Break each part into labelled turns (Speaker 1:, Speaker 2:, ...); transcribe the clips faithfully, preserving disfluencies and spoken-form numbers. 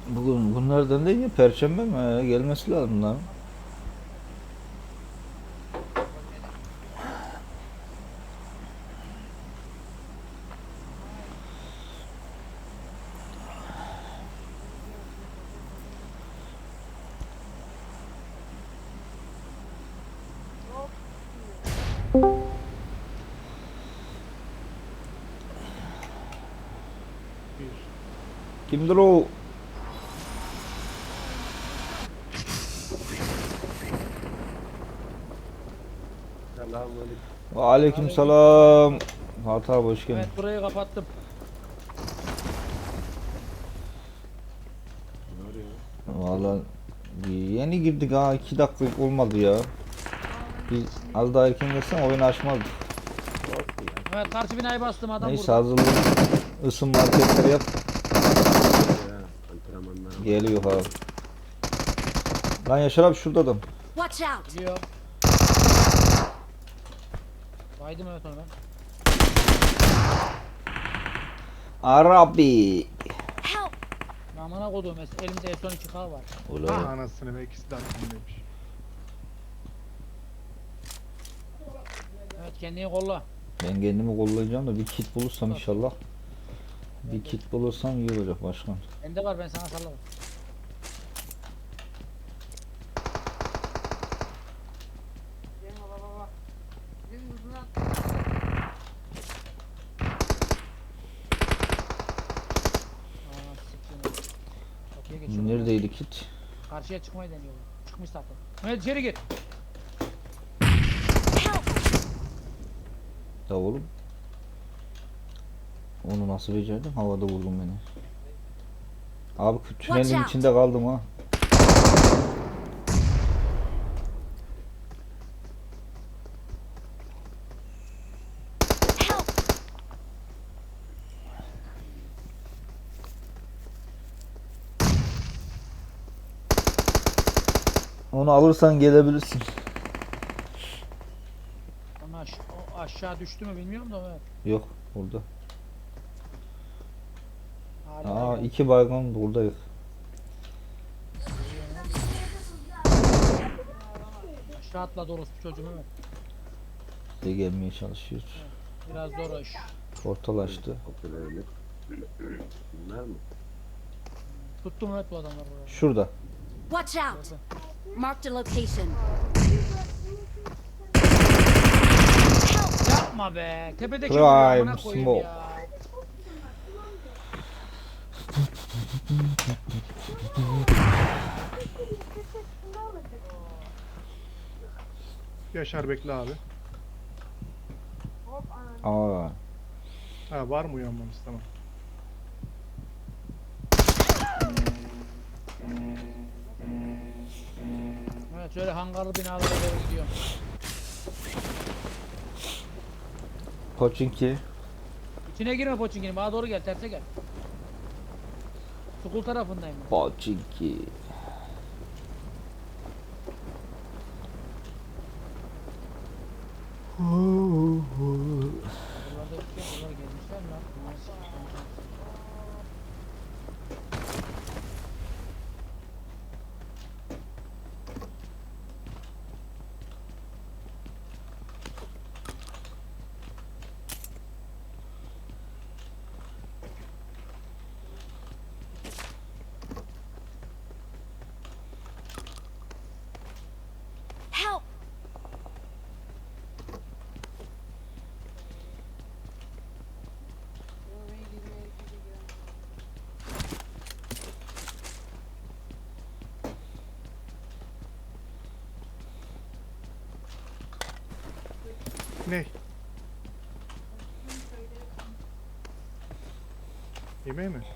Speaker 1: Bugün günlerden değil ya, Perşembe mi? He, gelmesi lazım lan.
Speaker 2: Bir.
Speaker 1: Kimdir o?
Speaker 2: Selamünaleyküm.
Speaker 1: Aleyküm
Speaker 3: Aleykümselam.
Speaker 1: selam. Fatih abi hoş geldin.
Speaker 3: Evet, burayı kapattım.
Speaker 2: Ne arıyor?
Speaker 1: Vallahi yeni girdik ha, iki dakika olmadı ya. Biz az daha erken gelsen oyun açmazdık.
Speaker 2: Olsun ya.
Speaker 3: Evet, karşı binayı bastım, adam
Speaker 1: Neyse,
Speaker 3: burada.
Speaker 1: hazırlık ısınma hareketleri yap.
Speaker 2: Ya, antrenmanlara bak.
Speaker 1: Geliyor abi. Lan Yaşar abi şurada adam.
Speaker 4: Watch out!
Speaker 3: Gidiyor. Baydım evet onu ben.
Speaker 1: Arabi.
Speaker 4: Help!
Speaker 3: Amına koduğum es- elimde S on iki K var.
Speaker 1: Ulan.
Speaker 2: Ah anasını be, ikisi de aklımdaymış.
Speaker 3: Evet, kendini kolla.
Speaker 1: Ben kendimi kollayacağım da bir kit bulursam inşallah. Bir kit bulursam iyi olacak başkan.
Speaker 3: Bende var, ben sana sallarım. Aa, siktir. Kapıya geçiyorum.
Speaker 1: Neredeydi kit?
Speaker 3: Karşıya çıkmayı deniyorum. Çıkmış zaten. Evet, içeri gir.
Speaker 4: Help!
Speaker 1: Da oğlum. Onu nasıl becerdim? Havada vurdum beni. Abi tünelin
Speaker 4: Watch out.
Speaker 1: içinde kaldım ha.
Speaker 4: Help!
Speaker 1: Onu alırsan gelebilirsin.
Speaker 3: Ama aş o aşağı düştü mü bilmiyorum da evet.
Speaker 1: Yok burada.
Speaker 3: Hala
Speaker 1: Aa, iki baygın buradayız.
Speaker 3: aşağı atladı orospu çocuğum, evet.
Speaker 1: De gelmeye çalışıyoruz.
Speaker 3: Biraz zor iş.
Speaker 1: Portal açtı.
Speaker 2: Popülerlik. Bunlar mı?
Speaker 3: Tuttum evet bu adamlar burada.
Speaker 1: Şurada.
Speaker 4: Watch out! Marked a location. Help!
Speaker 3: Yapma be. Tepedeki
Speaker 1: Prime
Speaker 3: vuruyor, amına koyayım
Speaker 1: smoke.
Speaker 3: ya.
Speaker 2: Yaşar bekle abi.
Speaker 1: Aa,
Speaker 2: Ha, var mı uyanmamız? Tamam.
Speaker 3: Evet, şöyle hangarlı binalara doğru gidiyorum.
Speaker 1: Koçinki.
Speaker 3: İçine girme Poçinki'nin, bana doğru gel, terse gel. Sukul tarafındayım ben.
Speaker 1: Koçinki.
Speaker 3: Buralarda bir şey, buralara gelmişler mi lan? Nasıl?
Speaker 4: Help!
Speaker 2: Ne? Yemeği mi?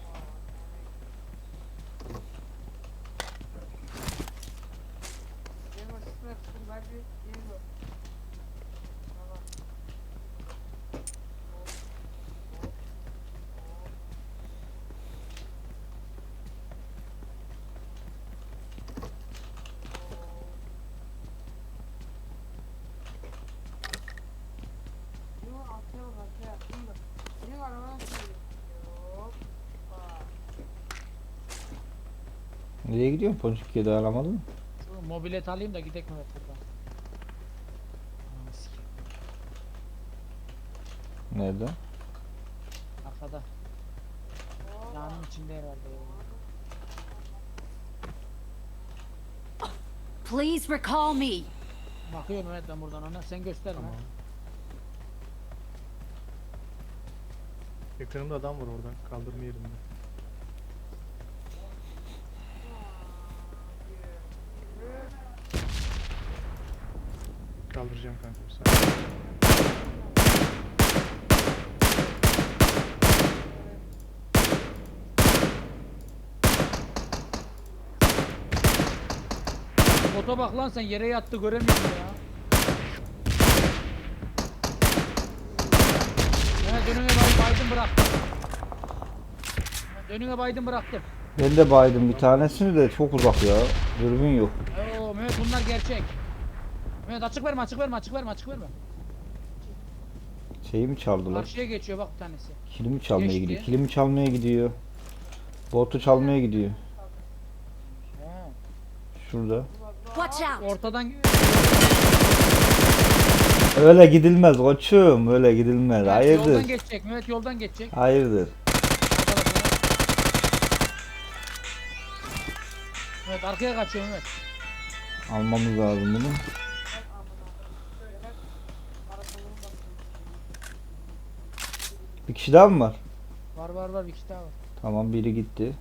Speaker 1: Nereye gidiyorsun? Ponçik'e dayanamadın mı?
Speaker 3: Şu mobilet alayım da gidek Mehmet buradan. Ananı sikeyim.
Speaker 1: Nerede?
Speaker 3: Arkada. Yanın içinde herhalde ya.
Speaker 4: Please recall me.
Speaker 3: Bakıyorum Mehmet ben buradan ona. Sen gösterme.
Speaker 2: Tamam. Yakınımda adam var oradan. Kaldırma yerinde. Kaldıracağım kanka bir saniye.
Speaker 3: Bota bak lan sen yere yattı göremiyorum ya. Evet önüne bay baydım bıraktım. Evet, önüne baydım bıraktım.
Speaker 1: Ben de baydım bir tanesini de çok uzak ya. Dürbün yok.
Speaker 3: Oo Mehmet bunlar gerçek. Mehmet açık verme açık verme açık verme açık verme.
Speaker 1: Şeyi mi çaldılar?
Speaker 3: Karşıya geçiyor bak bir tanesi.
Speaker 1: Kilimi çalmaya
Speaker 3: Geçti.
Speaker 1: gidiyor. Kilimi çalmaya gidiyor. Botu çalmaya gidiyor.
Speaker 3: He.
Speaker 1: Şurada.
Speaker 4: Watch out.
Speaker 3: Ortadan
Speaker 1: Öyle gidilmez koçum. Öyle gidilmez.
Speaker 3: Mehmet
Speaker 1: Hayırdır?
Speaker 3: yoldan geçecek. Mehmet yoldan geçecek.
Speaker 1: Hayırdır?
Speaker 3: Arkada bak Mehmet. Evet arkaya kaçıyor Mehmet.
Speaker 1: Almamız lazım bunu. Bir kişi daha mı var?
Speaker 3: Var var var bir kişi daha var.
Speaker 1: Tamam biri gitti.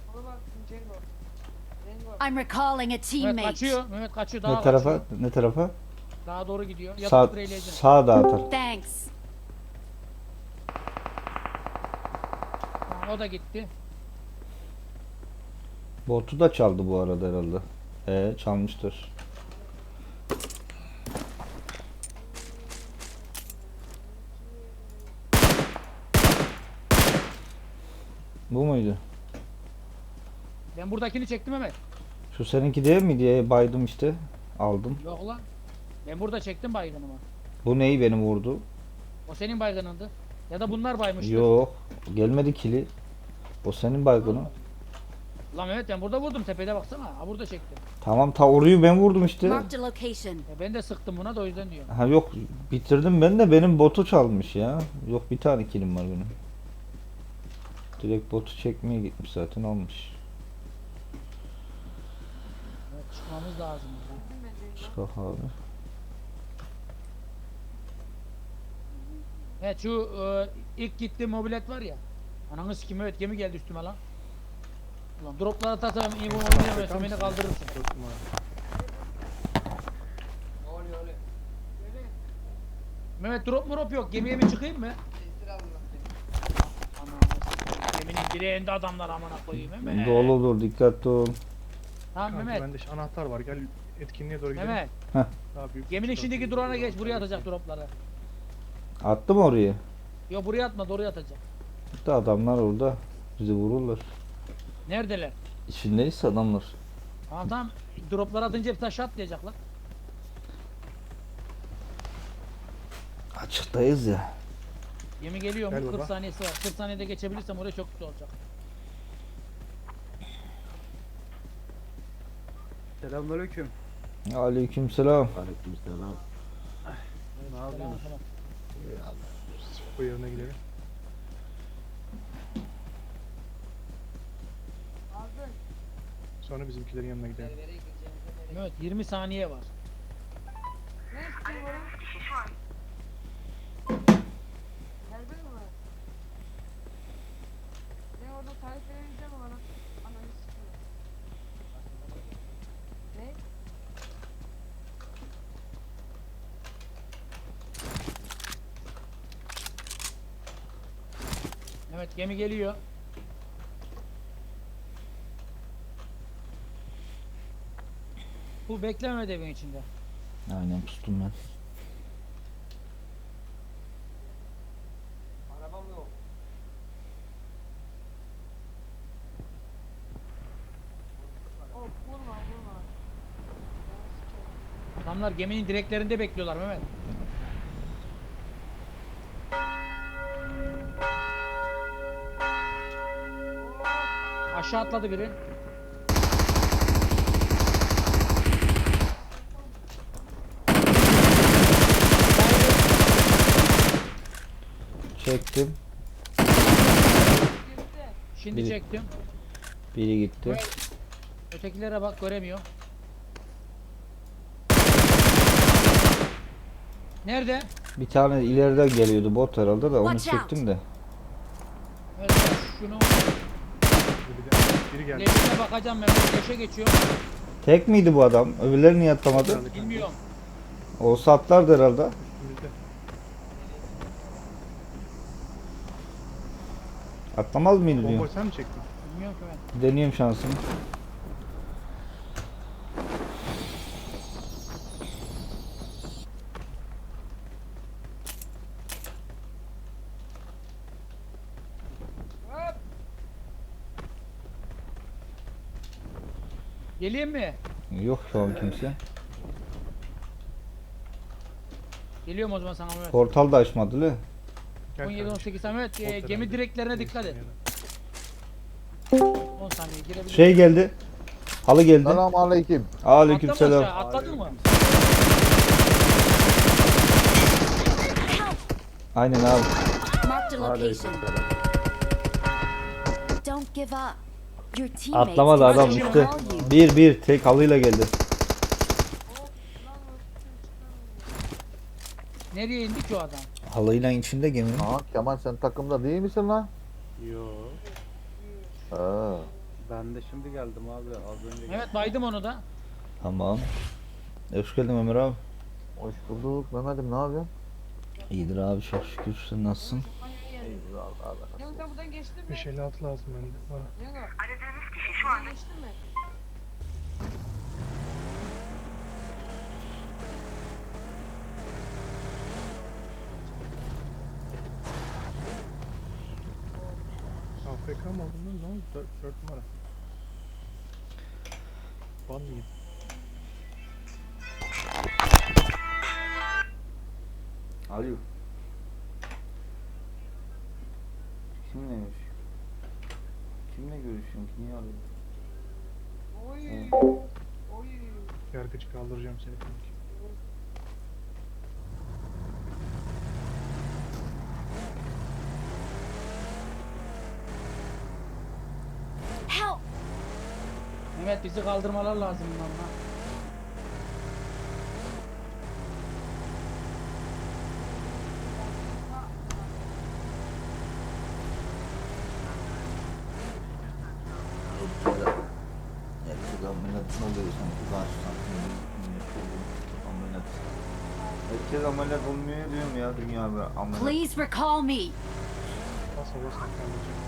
Speaker 4: I'm recalling a
Speaker 3: Mehmet
Speaker 4: teammate.
Speaker 3: kaçıyor. Mehmet kaçıyor daha
Speaker 1: Ne tarafa?
Speaker 3: kaçıyor.
Speaker 1: Ne tarafa?
Speaker 3: Daha doğru gidiyor. Yatıp
Speaker 1: Sağ,
Speaker 3: spreyleyeceğim.
Speaker 1: sağa dağıtar.
Speaker 4: Thanks.
Speaker 3: Tamam, o da gitti.
Speaker 1: Botu da çaldı bu arada herhalde. Ee çalmıştır. Bu muydu?
Speaker 3: Ben buradakini çektim Mehmet.
Speaker 1: Şu seninki değil mi diye baydım işte. Aldım.
Speaker 3: Yok lan. Ben burada çektim baygınımı.
Speaker 1: Bu neyi benim vurdu?
Speaker 3: O senin baygınındı. Ya da bunlar baymıştı.
Speaker 1: Yok. Gelmedi kili. O senin baygını.
Speaker 3: Lan Mehmet ben burada vurdum tepede baksana. Ha burada çektim.
Speaker 1: Tamam ta orayı ben vurdum işte.
Speaker 4: Marked a location.
Speaker 3: E, ben de sıktım buna da o yüzden diyorum.
Speaker 1: Ha yok bitirdim ben de benim botu çalmış ya. Yok bir tane kilim var benim. Direkt botu çekmeye gitmiş zaten almış.
Speaker 3: Evet, çıkmamız lazım.
Speaker 1: Çıkak abi.
Speaker 3: Evet şu e, ilk gittiğim mobilet var ya. Ananı sikim evet gemi geldi üstüme lan. Ulan droplara atarsan iyi bu oynayamıyorsun beni kaldırırsın.
Speaker 2: Dört numara.
Speaker 3: Mehmet drop mu drop yok gemiye mi çıkayım mı? Ananı sikeyim, geminin direğinde adamlar amına koyayım Mehmet.
Speaker 1: Doludur dikkatli ol.
Speaker 3: Tamam
Speaker 2: Kanka
Speaker 3: Mehmet.
Speaker 2: bende şu anahtar var. Gel etkinliğe doğru gidelim.
Speaker 3: Mehmet.
Speaker 2: Daha büyük
Speaker 3: Geminin
Speaker 2: çıkar.
Speaker 3: içindeki durana geç buraya atacak dropları.
Speaker 1: Attı mı oraya?
Speaker 3: Yok buraya atma oraya atacak.
Speaker 1: Gitti adamlar orada. Bizi vururlar.
Speaker 3: Neredeler?
Speaker 1: İçindeyiz adamlar.
Speaker 3: Tamam tamam. Dropları atınca hepsi aşağı atlayacaklar.
Speaker 1: Açıktayız ya.
Speaker 3: Gemi geliyor
Speaker 2: Gel
Speaker 3: mu?
Speaker 2: baba.
Speaker 3: kırk saniyesi var. kırk saniyede geçebilirsem oraya çok güzel olacak.
Speaker 5: Selamünaleyküm.
Speaker 1: Aleykümselam.
Speaker 5: Aleykümselam. Ne
Speaker 3: Selam,
Speaker 5: yapıyorsun?
Speaker 3: selam.
Speaker 2: Bu yerine gidelim. Sonra bizimkilerin yanına gidelim.
Speaker 3: Evet yirmi saniye var.
Speaker 6: Geldin mi? Ne orada tarif vereceğim ama bana ananı sikiyor. Ne?
Speaker 3: Evet gemi geliyor. Bu beklemedi evin içinde.
Speaker 1: Aynen pustum ben.
Speaker 5: Arabam yok.
Speaker 6: Oh vurma vurma. Ananı sikiyor.
Speaker 3: Adamlar geminin direklerinde bekliyorlar Mehmet. Aşağı atladı biri.
Speaker 1: Çektim.
Speaker 6: Girdi.
Speaker 3: Şimdi
Speaker 1: Biri-
Speaker 3: çektim.
Speaker 1: Biri gitti.
Speaker 3: Ötekilere bak göremiyor. Nerede?
Speaker 1: Bir tane ileriden geliyordu bot herhalde de onu
Speaker 4: Watch out.
Speaker 1: çektim de.
Speaker 3: Evet, şunu
Speaker 2: Bir de biri geldi.
Speaker 3: leşine bakacağım ben. Leşe geçiyor.
Speaker 1: Tek miydi bu adam? Öbürleri niye atlamadı?
Speaker 2: Geldi.
Speaker 3: Bilmiyorum.
Speaker 1: Olsa atlardı herhalde.
Speaker 2: Üstümüzde.
Speaker 1: Atlamaz mıydı diyor.
Speaker 2: Bombayı sen mi çektin?
Speaker 3: Bilmiyorum ki ben.
Speaker 1: Deneyeyim şansımı.
Speaker 3: Geleyim mi?
Speaker 1: Yok şu an kimse.
Speaker 3: Geliyorum o zaman sana Mehmet.
Speaker 1: Portal da açmadı le.
Speaker 2: Gel
Speaker 3: on yedi on
Speaker 2: kardeşim.
Speaker 3: sekiz Mehmet. e,
Speaker 2: Ortadan
Speaker 3: gemi
Speaker 2: gel.
Speaker 3: direklerine dikkat et.
Speaker 2: Yana.
Speaker 3: on saniye girebilir.
Speaker 1: Şey geldi. Halı geldi.
Speaker 7: Selamun aleyküm.
Speaker 1: Aleykümselam.
Speaker 3: Atlama aşağı, atladın mı?
Speaker 1: Aynen abi.
Speaker 4: Marked a location. Don't give up. Your teammates
Speaker 1: Atlamadı
Speaker 4: can
Speaker 1: adam
Speaker 4: still
Speaker 1: işte.
Speaker 4: call you.
Speaker 1: Bir bir tek halıyla geldi.
Speaker 3: Nereye indi ki o adam?
Speaker 1: Halıyla içinde geminin.
Speaker 7: Aa, Kemal sen takımda değil misin lan?
Speaker 5: Yo.
Speaker 7: Aa.
Speaker 5: Ben de şimdi geldim abi. Az önce
Speaker 3: Mehmet baydım onu da.
Speaker 1: Tamam. Hoş geldin Ömer abi.
Speaker 7: Hoş bulduk Mehmet'im, ne yapıyorsun?
Speaker 1: İyidir abi çok şükür. Sen nasılsın?
Speaker 7: İyidir Allah Allah.
Speaker 6: Yango sen buradan geçtin mi?
Speaker 2: beş elli altı lazım bende. Bana.
Speaker 6: Yango. Aradığınız kişi şu an geçtin mi?
Speaker 2: A F K mı aldın lan? Ne oldu? dört, dört numara. Ban mı yedin?
Speaker 1: Alo. Kimle görüşüyorsun? Kimle görüşüyorsun ki? Niye arıyorsun?
Speaker 6: Oy. Oy.
Speaker 2: Yargıcı kaldıracağım seni kanki.
Speaker 4: Help!
Speaker 3: Mehmet bizi kaldırmalar lazım bunlarla.
Speaker 1: Herkes ameliyat ne oluyor sanki karşıdan ameliyat. Herkes ameliyat olmuyor diyorum ya dünya bir ameliyat.
Speaker 4: Please recall me.
Speaker 2: Bas bas kaldıracağım.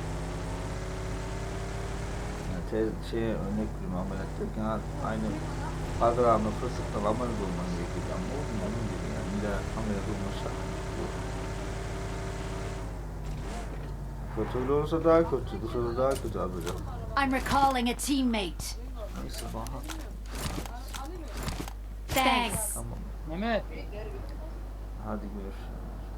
Speaker 1: Yani te, şey örnek veriyorum ameliyat derken ha, aynı padrağını fırsattan ameliyat olman gerekiyor ama olmuyor onun gibi yani bir de ameliyat olmasa. Kötü olursa daha kötü, dışarıda daha kötü alacak.
Speaker 4: I'm recalling a teammate.
Speaker 1: Neyse bana.
Speaker 4: Thanks.
Speaker 1: Tamam.
Speaker 3: Mehmet.
Speaker 1: Hadi görüşürüz.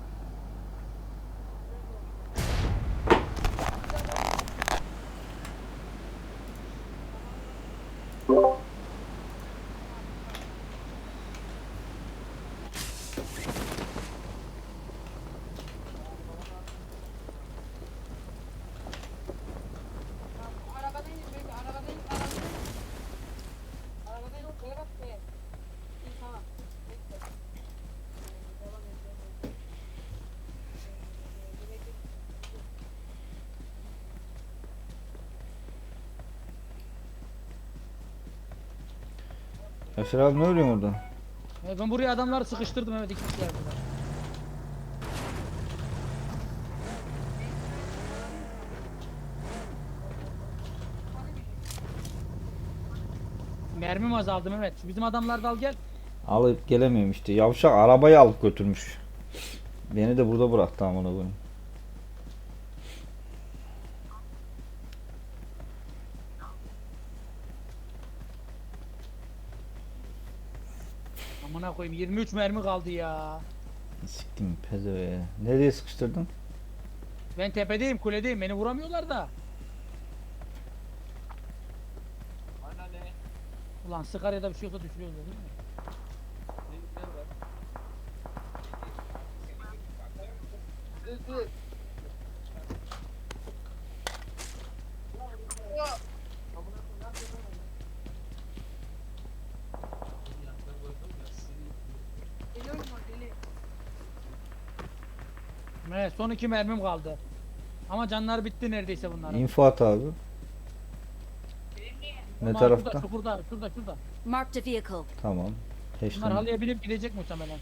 Speaker 6: Arabadan in bekle. Arabadan in. Arabadan in. Arabadan in. Şöyle bak be. İyi tamam. Bekle. Devam et. Devam et. Bekle.
Speaker 1: Eser abi ne örüyorsun orada?
Speaker 3: E, ben buraya adamları sıkıştırdım evet iki kişiler burada. Mermim azaldı Mehmet. Bizim adamlar da al gel.
Speaker 1: Alıp gelemiyorum işte. Yavşak arabayı alıp götürmüş. Beni de burada bıraktı amına koyayım.
Speaker 3: Amına koyayım yirmi üç mermi kaldı ya.
Speaker 1: Siktim pezeveye. Nereye sıkıştırdın?
Speaker 3: Ben tepedeyim kuledeyim beni vuramıyorlar da. Ulan Sakarya'da bir şey olsa düşürüyoruz değil mi?
Speaker 6: dur. Ya. Deli oyun var deli.
Speaker 3: Evet, son iki mermim kaldı. Ama canlar bitti neredeyse bunların.
Speaker 1: İnfo at abi. Ne
Speaker 3: Ama
Speaker 1: tarafta?
Speaker 3: Şurada, şurada, şurada, şurada.
Speaker 4: Marked a vehicle.
Speaker 1: Tamam.
Speaker 3: Bunlar
Speaker 1: Peşten.
Speaker 3: halıya binip gidecek muhtemelen.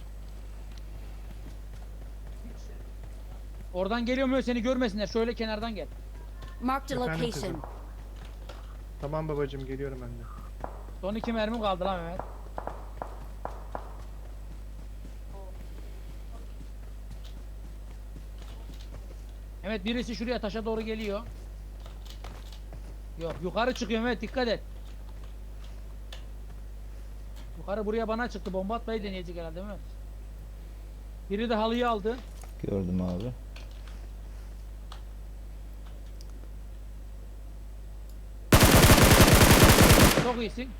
Speaker 3: Oradan geliyor mu seni görmesinler. Şöyle kenardan gel.
Speaker 4: Marked a
Speaker 2: Efendim
Speaker 4: location.
Speaker 2: kızım. Tamam babacım geliyorum ben de.
Speaker 3: Son iki mermim kaldı lan Mehmet. Evet, birisi şuraya taşa doğru geliyor. Yok, yukarı çıkıyor Mehmet, dikkat et. Yukarı buraya bana çıktı. Bomba atmayı deneyecek herhalde Mehmet. Biri de halıyı aldı.
Speaker 1: Gördüm abi.
Speaker 3: Çok iyisin.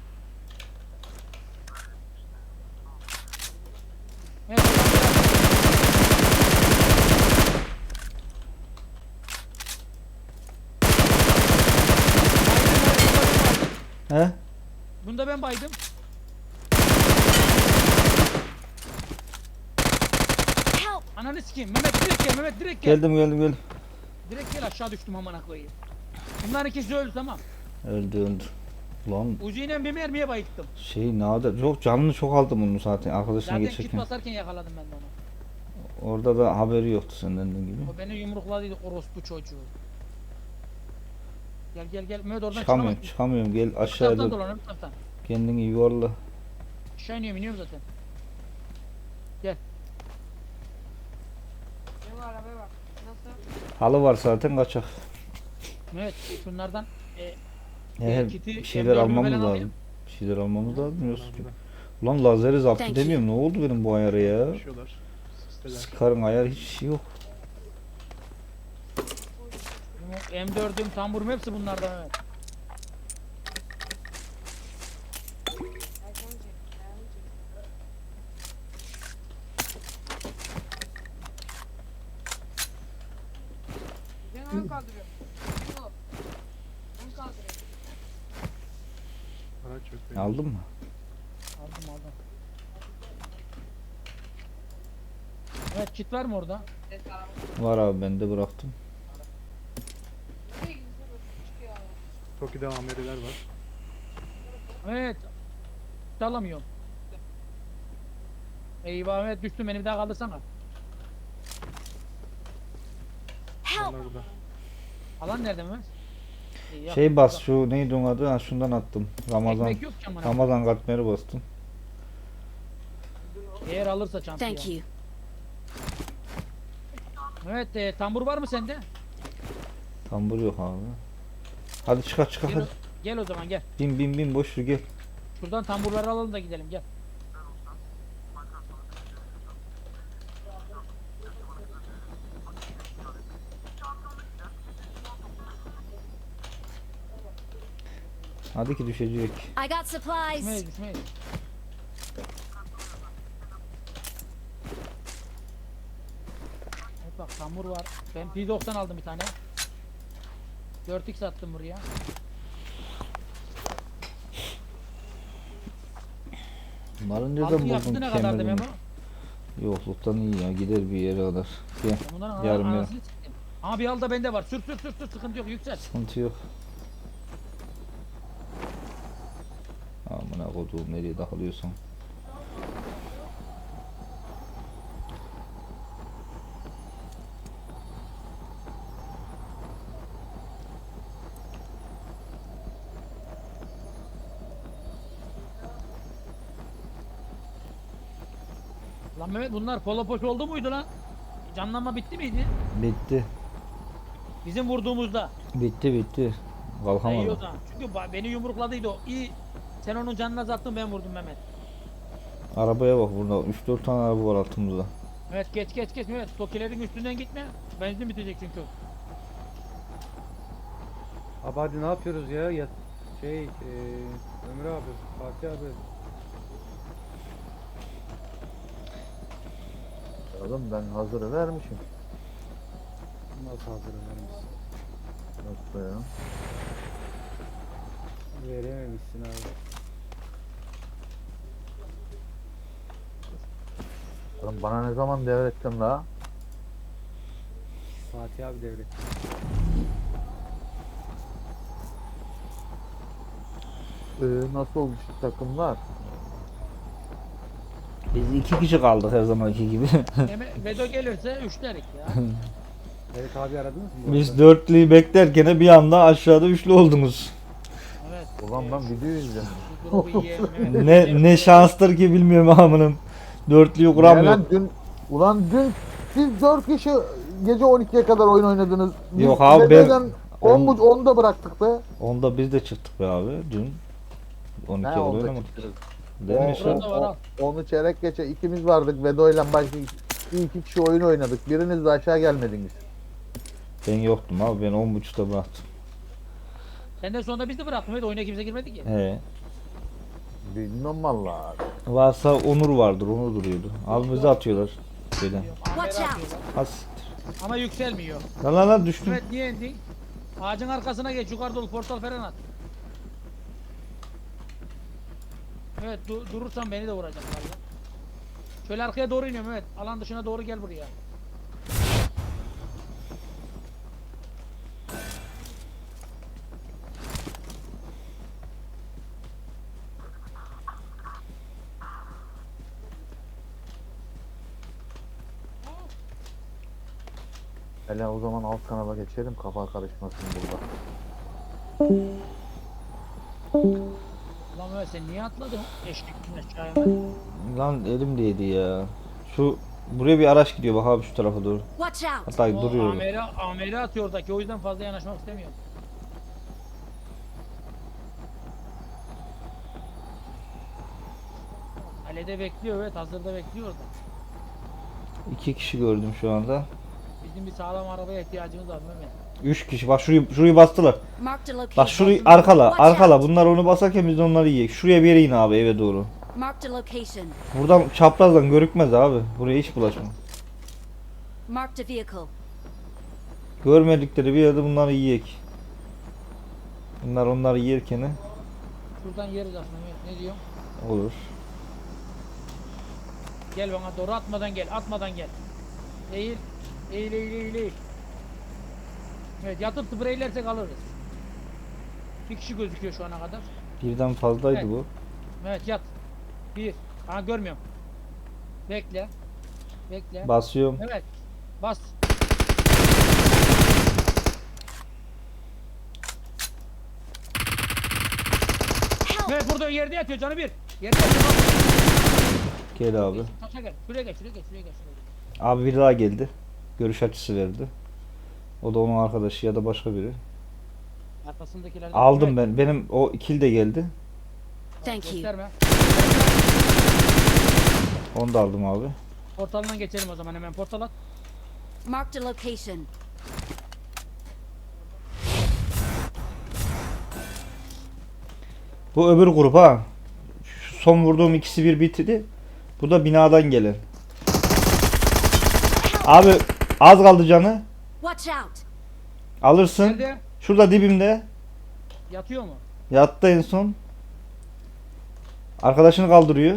Speaker 3: Evet, buradan biraz-
Speaker 1: He?
Speaker 3: Bunda ben baydım.
Speaker 4: Help!
Speaker 3: Ananı sikeyim. Mehmet direkt gel. Mehmet direkt gel.
Speaker 1: Geldim geldim geldim.
Speaker 3: Direkt gel, aşağı düştüm amına koyayım. Bunların ikisi öldü, tamam.
Speaker 1: Öldü öldü. Ulan
Speaker 3: Uzi'yle bir mermiye bayılttım.
Speaker 1: şey nadir. Çok canını çok aldım bunu zaten arkadaşına
Speaker 3: Zaten kit
Speaker 1: geçerken.
Speaker 3: basarken yakaladım ben de onu.
Speaker 1: Orada da haberi yoktu senden dediğin gibi.
Speaker 3: O beni yumrukladıydı orospu çocuğu. Gel gel gel. Mehmet oradan
Speaker 1: Çıkamıyorum
Speaker 3: çıkamazsın.
Speaker 1: çıkamıyorum gel
Speaker 3: Bu taraftan
Speaker 1: aşağıda
Speaker 3: dolan, öbür taraftan.
Speaker 1: kendini yuvarla.
Speaker 3: Aşağı iniyorum, iniyorum zaten.
Speaker 6: Benim arabaya bak. Nasıl?
Speaker 1: Halı var zaten kaçak.
Speaker 3: Mehmet şunlardan e,
Speaker 1: He,
Speaker 3: kiti
Speaker 1: bir şeyler
Speaker 3: M dördümü
Speaker 1: almamız
Speaker 3: falan
Speaker 1: lazım.
Speaker 3: alayım.
Speaker 1: Bir şeyler almamız lazım yoksa.
Speaker 2: Burada.
Speaker 1: Ulan lazeri zaptı
Speaker 4: Thank you.
Speaker 1: demiyorum ne oldu benim bu ayarı ya.
Speaker 2: Yaşıyorlar. Sisteler.
Speaker 1: Scar'ın ayarı hiç şey yok.
Speaker 3: M dördüm, tamburum hepsi bunlardan Mehmet.
Speaker 6: Erken çek. Erken çek. Ben ön kaldırıyorum. Bu. Ön kaldırıyorum.
Speaker 2: Araç yok benim.
Speaker 1: Aldın mı?
Speaker 3: Aldım aldım. Evet, kit var mı orada?
Speaker 6: Ses araba.
Speaker 1: Var abi ben de bıraktım.
Speaker 6: Nereye gidiyorsun? Çıkıyor abi.
Speaker 2: Toki'de ameliler var.
Speaker 3: Evet. Dalamıyorum. Eyvah, evet düştüm, beni bir daha kaldırsana.
Speaker 4: Help!
Speaker 2: Onlar burada.
Speaker 3: Alan nerede Mehmet? İyi, yakın
Speaker 1: Şey bas
Speaker 3: burada.
Speaker 1: şu neydi onun adı? Ha şundan attım. Ramazan.
Speaker 3: Ekmek yok ki amına.
Speaker 1: Ramazan katmeri bastım.
Speaker 3: Eğer alırsa çantayı.
Speaker 4: Thank you.
Speaker 3: Evet, e, tambur var mı sende?
Speaker 1: Tambur yok abi. Hadi çıkar çıkar
Speaker 3: Gel, o-
Speaker 1: hadi.
Speaker 3: gel o zaman gel.
Speaker 1: Bin bin bin boş ver gel.
Speaker 3: Şuradan tamburları alalım da gidelim, gel.
Speaker 1: Hadi ki düşecek.
Speaker 4: I got supplies.
Speaker 3: Düşmeyiz düşmeyiz. Evet bak, tambur var. Ben P doksan aldım bir tane. dört x attım buraya.
Speaker 1: Bunların
Speaker 3: Altı
Speaker 1: nereden
Speaker 3: yaptı
Speaker 1: buldun
Speaker 3: ne kadardı
Speaker 1: kemerini?
Speaker 3: Memo?
Speaker 1: Yokluktan iyi ya gider bir yere kadar. Gel
Speaker 3: Bundan
Speaker 1: Yarım
Speaker 3: yarım
Speaker 1: yarım.
Speaker 3: anasını siktim. Ama bir al da bende var. Sür sür sür sür, sıkıntı yok, yüksel.
Speaker 1: sıkıntı yok. Amına koduğum nereye takılıyorsun?
Speaker 3: Lan Mehmet, bunlar polo poş oldu muydu lan? Canlanma bitti miydi?
Speaker 1: Bitti.
Speaker 3: Bizim vurduğumuzda.
Speaker 1: Bitti bitti.
Speaker 3: İyi o
Speaker 1: Kalkamadım.
Speaker 3: zaman. Çünkü ba- beni yumrukladıydı o. İyi. Sen onun canını azalttın, ben vurdum Mehmet.
Speaker 1: Arabaya bak burada üç dört tane araba var altımızda.
Speaker 3: Evet, geç geç geç Mehmet. Tokilerin üstünden gitme. Benzin bitecek çünkü.
Speaker 5: Abi hadi ne yapıyoruz ya? ya şey, eee Ömür abi, Fatih abi.
Speaker 7: Oğlum ben hazırı vermişim.
Speaker 5: Nasıl hazır önerimiz?
Speaker 7: Nasıl ya?
Speaker 5: Verememişsin abi.
Speaker 7: Lan bana ne zaman devrettin la?
Speaker 5: Fatih abi devret.
Speaker 7: Ee, nasıl oldu şu takımlar?
Speaker 1: Biz iki kişi kaldık her zamanki gibi.
Speaker 3: Eme- Vedo gelirse üçlerik ya.
Speaker 5: Evet abi aradınız mı? bu
Speaker 1: Biz
Speaker 5: arada?
Speaker 1: dörtlüyü beklerken bir anda aşağıda üçlü oldunuz.
Speaker 3: Evet.
Speaker 7: Ulan ben video izliyorum.
Speaker 3: Şu grubu yiyelim. Evet.
Speaker 1: Ne ne şanstır ki bilmiyorum amınım. Dörtlüyü kuramıyor.
Speaker 7: Ulan dün, ulan dün siz dört kişi gece on ikiye kadar oyun oynadınız. Biz
Speaker 1: Yok abi, ben-
Speaker 7: geceden on
Speaker 1: on-
Speaker 7: bu onda bıraktık be.
Speaker 1: Onda biz de çıktık be abi dün. on iki
Speaker 7: He,
Speaker 1: yıl
Speaker 7: onda
Speaker 1: oynamadık.
Speaker 7: çıktınız.
Speaker 1: Değil mi
Speaker 7: O-
Speaker 1: şu?
Speaker 3: Burada var al.
Speaker 7: o- Onu çeyrek geçe ikimiz vardık. Vedo ile başka iki, iki kişi oyun oynadık. Biriniz de aşağı gelmediniz.
Speaker 1: Ben yoktum abi, ben on buçukta bıraktım.
Speaker 3: Senden sonra biz de bıraktık. Evet, oyuna kimse girmedi ki.
Speaker 1: He.
Speaker 7: Bilmem valla.
Speaker 1: Varsa Onur vardır, Onur duruyordu. Abi bizi atıyorlar. Böyle.
Speaker 4: Watch out.
Speaker 1: Has.
Speaker 3: Ama yükselmiyor.
Speaker 1: Lan lan lan düştüm.
Speaker 3: Evet, niye indin? Ağacın arkasına geç, yukarı dolu portal falan at. Evet, du durursan beni de vuracak valla. Şöyle arkaya doğru iniyorum, evet. Alan dışına doğru gel buraya.
Speaker 7: Hele o zaman alt kanala geçelim. Kafa karışmasın burada.
Speaker 3: Ulan Mehmet, sen niye atladın? Eşliktin aşağıya hemen.
Speaker 1: Lan elimdeydi ya. Şu buraya bir araç gidiyor bak abi, şu tarafa doğru.
Speaker 4: Watch out.
Speaker 1: Hatta
Speaker 3: O
Speaker 1: duruyor.
Speaker 3: amele, amele atıyor oradaki, o yüzden fazla yanaşmak istemiyorum. Kalede bekliyor, evet, hazırda bekliyor orada.
Speaker 1: İki kişi gördüm şu anda.
Speaker 3: Bizim bir sağlam arabaya ihtiyacımız var Mehmet.
Speaker 1: Üç kişi. Bak şurayı şurayı bastılar.
Speaker 4: Marked a location.
Speaker 1: Bak şurayı arkala,
Speaker 4: Watch
Speaker 1: arkala.
Speaker 4: out.
Speaker 1: Bunlar onu basarken biz de onları yiyek. Şuraya bir yere in abi, eve doğru.
Speaker 4: Marked a location.
Speaker 1: Buradan çaprazdan görükmez abi. Buraya hiç bulaşma.
Speaker 4: Marked a vehicle.
Speaker 1: Görmedikleri bir yerde bunları yiyek. Bunlar onları yerken
Speaker 3: Şuradan yeriz aslında Mehmet, ne diyor?
Speaker 1: olur.
Speaker 3: Gel bana doğru, atmadan gel, atmadan gel. Eğil, eğil, eğil, eğil, eğil. Evet, yatıp spreylersek alırız. Bir kişi gözüküyor şu ana kadar.
Speaker 1: Birden fazlaydı
Speaker 3: Evet.
Speaker 1: bu.
Speaker 3: Evet, yat. Bir. Ha, görmüyorum. Bekle. Bekle.
Speaker 1: Basıyorum.
Speaker 3: Evet. Bas.
Speaker 4: Help.
Speaker 3: Evet, burada yerde yatıyor canı bir. Yerde yatıyor. bak.
Speaker 1: Gel abi.
Speaker 3: Taşa gel. Şuraya gel, şuraya gel, şuraya gel. Şuraya gel.
Speaker 1: Abi biri daha geldi. Görüş açısı verdi. O da onun arkadaşı ya da başka biri.
Speaker 3: Arkasındakilerden.
Speaker 1: Aldım
Speaker 3: Evet,
Speaker 1: ben. Benim o ikili de geldi.
Speaker 4: Thank you.
Speaker 3: Gösterme.
Speaker 1: Onu da aldım abi.
Speaker 3: Portalından geçelim o zaman, hemen portal at.
Speaker 4: Marked a location.
Speaker 1: Bu öbür grup ha. Şu son vurduğum ikisi bir bitirdi. Bu da binadan gelen. Abi az kaldı canı.
Speaker 4: Watch out.
Speaker 1: Alırsın.
Speaker 3: Nerede?
Speaker 1: Şurada dibimde.
Speaker 3: Yatıyor mu?
Speaker 1: Yattı en son. Arkadaşını kaldırıyor.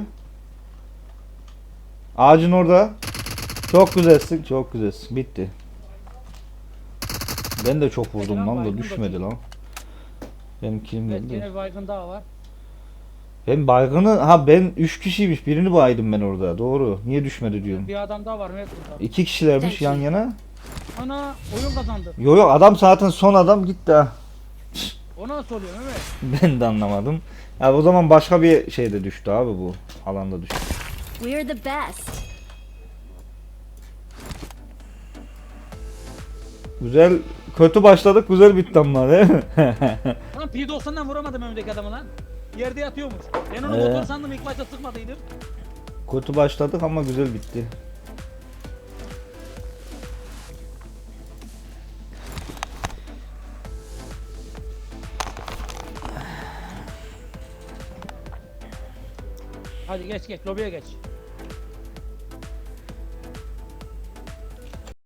Speaker 1: Ağacın orada. Çok güzelsin. Çok güzelsin. Bitti. Ben de çok vurdum
Speaker 3: Ekran
Speaker 1: lan da
Speaker 3: baygın
Speaker 1: düşmedi
Speaker 3: bakayım.
Speaker 1: lan. Benim kilim
Speaker 3: Evet,
Speaker 1: geldi.
Speaker 3: yine bir baygın daha var.
Speaker 1: Ben baygını ha ben üç kişiymiş. Birini baydım ben orada. Doğru. Niye düşmedi diyorum.
Speaker 3: Bir adam daha var Mehmet burada.
Speaker 1: İki kişilermiş
Speaker 4: Thank
Speaker 1: yan
Speaker 4: you.
Speaker 1: yana.
Speaker 3: Ana, oyun kazandı.
Speaker 1: Yo yo adam zaten son adam gitti ha.
Speaker 3: O nasıl oluyor Mehmet?
Speaker 1: Ben de anlamadım. Ya o zaman başka bir şeyde düştü abi bu. Alanda düştü.
Speaker 4: We're the best.
Speaker 1: Güzel kötü başladık, güzel bitti ama değil mi?
Speaker 3: Lan P doksan'dan vuramadım önümdeki adamı lan. Yerde yatıyormuş. Ben onu
Speaker 1: Ee?
Speaker 3: motor sandım, ilk başta sıkmadıydım.
Speaker 1: Kötü başladık ama güzel bitti.
Speaker 3: Hadi geç geç, lobiye geç.